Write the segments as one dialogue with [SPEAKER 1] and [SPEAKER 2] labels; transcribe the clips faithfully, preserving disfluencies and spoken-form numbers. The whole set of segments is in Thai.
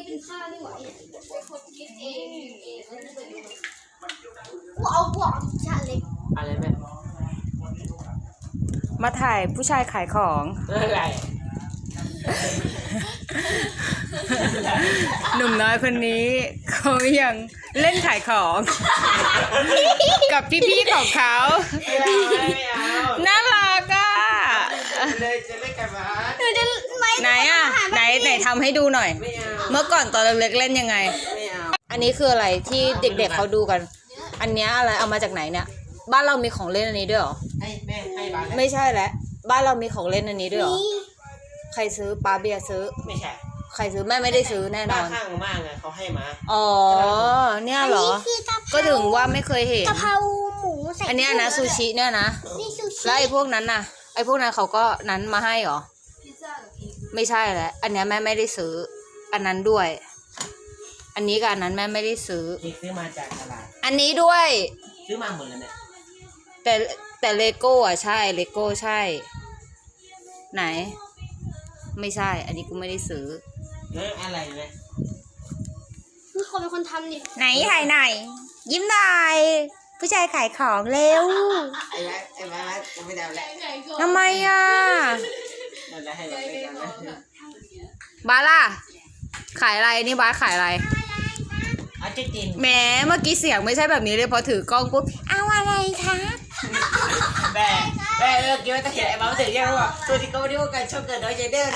[SPEAKER 1] กินข้าวนี่หว่าเป็นคนคิดเองเองกูเอาบวกชาเล็ก
[SPEAKER 2] อะไรแม่
[SPEAKER 3] มาถ่ายผู้ชายขายของ
[SPEAKER 2] อะไร
[SPEAKER 3] หนุ่มน้อยคนนี้เขายังเล่นขายของกับพี่ๆของเขาน่ารักอ่ะ
[SPEAKER 2] เลยจะเล่นกันมา
[SPEAKER 3] ไหนอ่ะไหนไหนทำให้ดูหน่อยเมื่อก่อนตอนเล็กๆเล่นยังไงอันนี้คืออะไรที่เด็กๆเขาดูกันอันนี้อะไรเอามาจากไหนเนี่ยบ้านเรามีของเล่นอันนี้ด้วยหรอ
[SPEAKER 2] ให้แม่ให้บ้าน
[SPEAKER 3] ไม่ใช่แล้วบ้านเรามีของเล่นอันนี้ด้วยหรอใครซื้อป้าเบียร์ซื้อ
[SPEAKER 2] ไม่ใช่
[SPEAKER 3] ใครซื้อแม่ไม่ได้ซื้อแน่นอน
[SPEAKER 2] ข้างมากไงเขาให้มา
[SPEAKER 3] อ๋อเนี่ยเหรอก็ถึงว่าไม่เคยเห็น
[SPEAKER 1] กะเพราหมูใส่
[SPEAKER 3] อันนี้นะซูชิเนี่ยนะแล้วไอ้พวกนั้นน่ะไอ้พวกนั้นเขาก็นั้นมาให้เหรอไม่ใช่แหละอันนี้แม่ไม่ได้ซื้ออันนั้นด้วยอันนี้กับอันนั้นแม่ไม่ได้ซื้อ
[SPEAKER 2] ซื้อมาจากตลาด
[SPEAKER 3] อันนี้ด้วย
[SPEAKER 2] ซื้อมาหมดแล้วเนี่ย
[SPEAKER 3] แต่แต่เลโก้อ่ะใช่เลโก้ใช่ไหนไม่ใช่อันนี้กูไม่ได้ซื้อ
[SPEAKER 2] เอออะไรเนี่ย
[SPEAKER 1] มีคนเป็นคนทำนี่
[SPEAKER 3] ไหนถ่ายหน่อยยิ้มหน่อยผู้ชายขายของเร็ว
[SPEAKER 2] ไอ้แม่ไอ้แม่จะไม่ได้แล้ว
[SPEAKER 3] ทำไมอ่ะบาล่ะขายอะไรนี่บาขายอะไร
[SPEAKER 2] อาจริง
[SPEAKER 3] แหมเมื่อกี้เสียงไม่ใช่แบบนี้เลยพอถือกล้องปุ๊บเอาอะไรคะ
[SPEAKER 2] แต่แต่เมื่อกี้ว่าจะเห็นไอ้บ้าถึงยังว่าตัวที่เขาไม่ได้ว่าการชอบเกิดน้อยใจเด้อ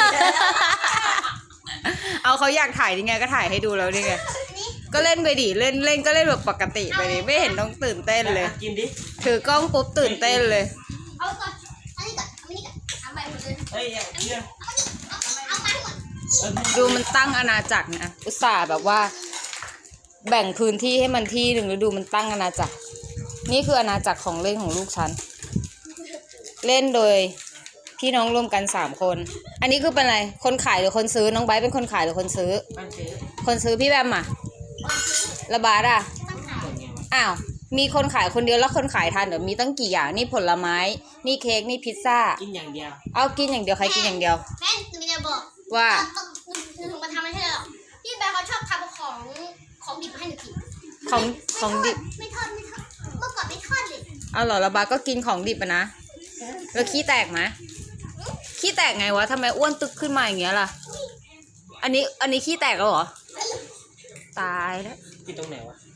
[SPEAKER 3] เอาเขาอยากถ่ายยังไงก็ถ่ายให้ดูแล้วนี่ไงก็เล่นไปดิเล่นเล่นก็เล่นแบบปกติไปดิไม่เห็นต้องตื่นเต้นเลย
[SPEAKER 2] กินดิ
[SPEAKER 3] ถือกล้องปุ๊บตื่นเต้นเลย
[SPEAKER 1] เอาก่อนอันนี้ก่อนอันนี้ก่อนทำไปหมดเลย
[SPEAKER 2] เฮ้ยเชื่อ
[SPEAKER 1] เอาไปหมด
[SPEAKER 3] ดูมันตั้งอาณาจักรนะอุตส่าห์แบบว่าแบ่งพื้นที่ให้มันที่หนึ่งแล้วดูมันตั้งอาณาจักรนี่คืออาณาจักรของเล่นของลูกฉันเล่นโดยพี่น้องรวมกันสามคนอันนี้คือเป็นอะไรคนขายหรือคนซื้อน้องไบร์ทเป็นคนขายหรือคนซื้อคนซื้อพี่แบมอ่ะระบาดอ่ะอ้าวมีคนขายคนเดียวแล้วคนขายทานเดี๋ยวมีตั้งกี่อย่างนี่ผลไม้นี่เค้กนี่พิซซ่า
[SPEAKER 2] กินอย่างเดียว
[SPEAKER 3] เอากินอย่างเดียวใครกินอย่างเดียว
[SPEAKER 1] แม่หนูจะบอก
[SPEAKER 3] ว่า
[SPEAKER 1] หนูถึงมาทำไม่ใช่หรอพี่แบมเขาชอบทำของของดิบให้หนูกิน
[SPEAKER 3] ของของดิบ
[SPEAKER 1] ไม่ทอดไม่ทอดเมื่อก่อนไม่ทอดเลย
[SPEAKER 3] เอาเหรอระบาดก็กินของดิบอ่ะนะแล้วขี้แตกไหมขี้แตกไงวะทำไมอ้วนตึกขึ้นมาอย่างเงี้ยล่ะอันนี้อันนี้ขี้แตกแล้วเหรอตายแล้ว
[SPEAKER 2] ปิดตรงไหนวะ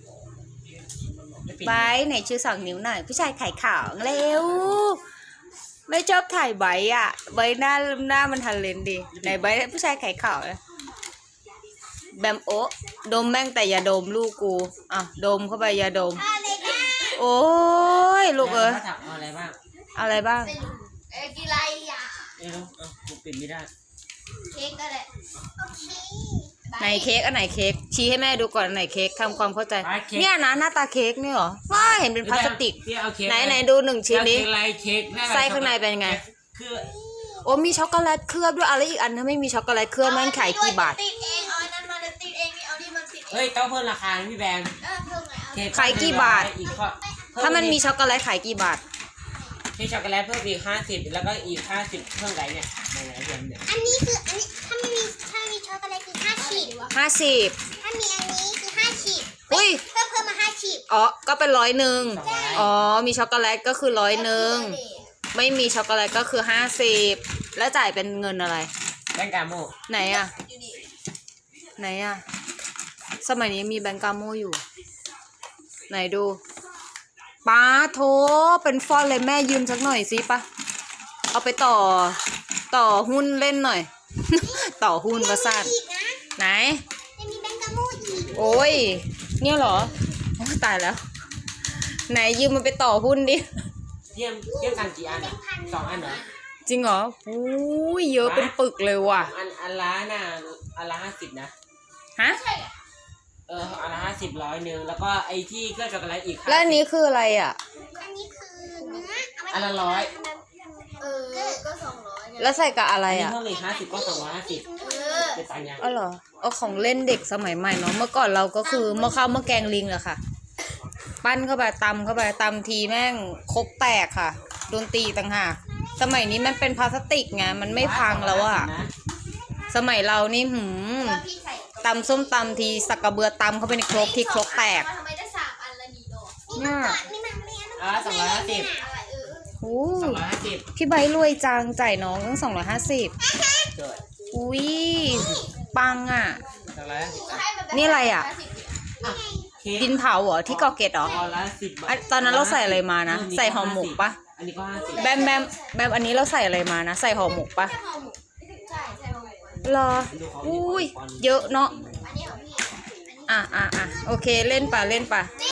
[SPEAKER 3] ไบไหนชื่อสองนิ้วหน่อยผู้ชายขายของเร็วไม่ชอบถ่ายใบอ่ะใบหน้าหน้ามันทันเลนดีไหนใบผู้ชายขายของแบมโอดมแม่งแต่อย่าดมลูกกูอ่ะดมเข้าไปอย่าดมโอ้ยลูกเอ้ย
[SPEAKER 2] เอาอะไรบ้าง
[SPEAKER 3] อะไรบ้าง
[SPEAKER 1] เอ้กินอะไรอ่ะ
[SPEAKER 2] เออเออกูปิดไม่ได้
[SPEAKER 1] เค้กก็ได้โอเค
[SPEAKER 3] ไหนเค้กอันไหนเค้กชี้ให้แม่ดูก่อนไหนเค้กทำความเข้าใจเนี่ยนะหน้าตาเค้กนี่เหรอว้าเห็นเป็นพลาสติกไหนไหนดูหนึ่งชิ้นนี้ไส้ข้างในเป็นไง
[SPEAKER 2] คือ
[SPEAKER 3] โอ้มีช็อกโกแลตเคลือบด้วยอะไรอีกอันถ้าไม่มีช็อกโกแลตเคลือบแม่งขายกี่บาท
[SPEAKER 1] ติดเองเอานั้นมาติดเองเอาที่มันติด
[SPEAKER 2] เฮ้ยต้องเพิ่มราคาพี่แบงค์
[SPEAKER 3] ขายกี่บาทถ้ามันมีช็อกโกแลตขายกี่บาท
[SPEAKER 2] มีช็อกโกแลตเพิ่มอีกห้าสิบแล้วก็อีกห้าสิบเพิ่มไรเนี่ย
[SPEAKER 1] อันนี้คืออันนี้ถ้าไม่มีถ้ามีช็อกโกแลตคือห้าสิบ
[SPEAKER 3] ห้าสิบ
[SPEAKER 1] ถ้ามีอันนี้คือห้าสิบ
[SPEAKER 3] อุ้ย
[SPEAKER 1] เพิ่มเพิ่มมาห้าสิบ
[SPEAKER 3] อ๋อก็เป็นร้อยหนึ่งอ๋อมีช็อกโกแลตก็คือร้อยหนึ่งไม่มีช็อกโกแลตก็คือห้าสิบแล้วจ่ายเป็นเงินอะไร
[SPEAKER 2] แบงก์กาโม
[SPEAKER 3] ไหนอะไหนอะสมัยนี้มีแบงก์กาโมอยู่ไหนดูป้าโถเป็นฟอนเลยแม่ยืมสักหน่อยสิปะเอาไปต่อต่อหุ้นเล่นหน่อย ต่อหุ้นประสาทไหน
[SPEAKER 1] มีแบงก์กาโมอีก
[SPEAKER 3] โอ้ยเนี่ยเหรอโอ้ตายแล้วไหนยืมมันไปต่อหุ้นดิ
[SPEAKER 2] เยี่ยมเยี่ยมกันกี่อันสองอันเหรอ
[SPEAKER 3] จริงเหรออุ้ยเยอะเป็นปึกเลยว่ะ
[SPEAKER 2] อันอันละน่ะอันละห้าสิบนะ
[SPEAKER 3] ฮะ
[SPEAKER 2] เอออันละห้าสิบร้อยหนึ่งแล้วก็ไอ้ที่เครื่องช็อกโกแลตอีก
[SPEAKER 3] แล้วอันนี้คืออะไรอ่ะ
[SPEAKER 1] อันนี้คือเนื้อ
[SPEAKER 2] อันละร้อย
[SPEAKER 1] เออก็สองร้อย
[SPEAKER 3] แล้วใส่กับอะไรอ่ะ
[SPEAKER 2] เพิ่มอีกห้าสิบก็สองร้อยห้าสิบเป็นตังค์ยัง
[SPEAKER 3] อ๋อเหรอเอาของเล่นเด็กสมัยใหม่เนาะเมื่อก่อนเราก็คือหม้อข้าวหม้อแกงลิงแหละค่ะปั้นเข้าไปตำเข้าไปตำทีแม่งคกแตกค่ะโดนตีต่างหากสมัยนี้มันเป็นพลาสติกไงมันไม่พังแล้วอ่ะสมัยเรานี่หืมตำส้มตำทีสักกระเบือตำเข้าไปในครกที่ครกแตก
[SPEAKER 1] ทำไมได้สามอันละนี่ดอก
[SPEAKER 3] เนี่ย
[SPEAKER 1] นี่มันเรียน
[SPEAKER 2] อ่ะสองร้อยห้าสิบ
[SPEAKER 1] อะไรเออ
[SPEAKER 3] โอ้
[SPEAKER 2] สองร้อยห้าสิบ
[SPEAKER 3] พี่ใบรวยจังจ่ายน้องตั้งสองร้อยห้าสิบ
[SPEAKER 2] เกิด
[SPEAKER 3] อุ้ยปังอ่ะ
[SPEAKER 2] สองร้อยห้าสิบ
[SPEAKER 1] ให้มัด้
[SPEAKER 3] นี่อะไรอะ
[SPEAKER 2] เค้ก
[SPEAKER 3] ดินเผาเหรอที่เกาะเกตเหรอ
[SPEAKER 2] ออละสิบบา
[SPEAKER 3] อ่ะ
[SPEAKER 2] ท
[SPEAKER 3] ตอนนั้นเราใส่อะไรมานะ ใส่ห่อหมกปะ
[SPEAKER 2] อันนี้ก็ห้าสิบ
[SPEAKER 3] แบมแบมแบมอันนี้เราใส่อะไรมานะ ใส่ห่อหมกปะ
[SPEAKER 1] แค่ห่อหมกใช่ใช่ห่อหมก
[SPEAKER 3] รออุ้ยเยอะเนาะ
[SPEAKER 1] อันนี้ของพี่
[SPEAKER 3] อ่ะอ่ะอ่ะโอเคเล่นปะเล่นปะ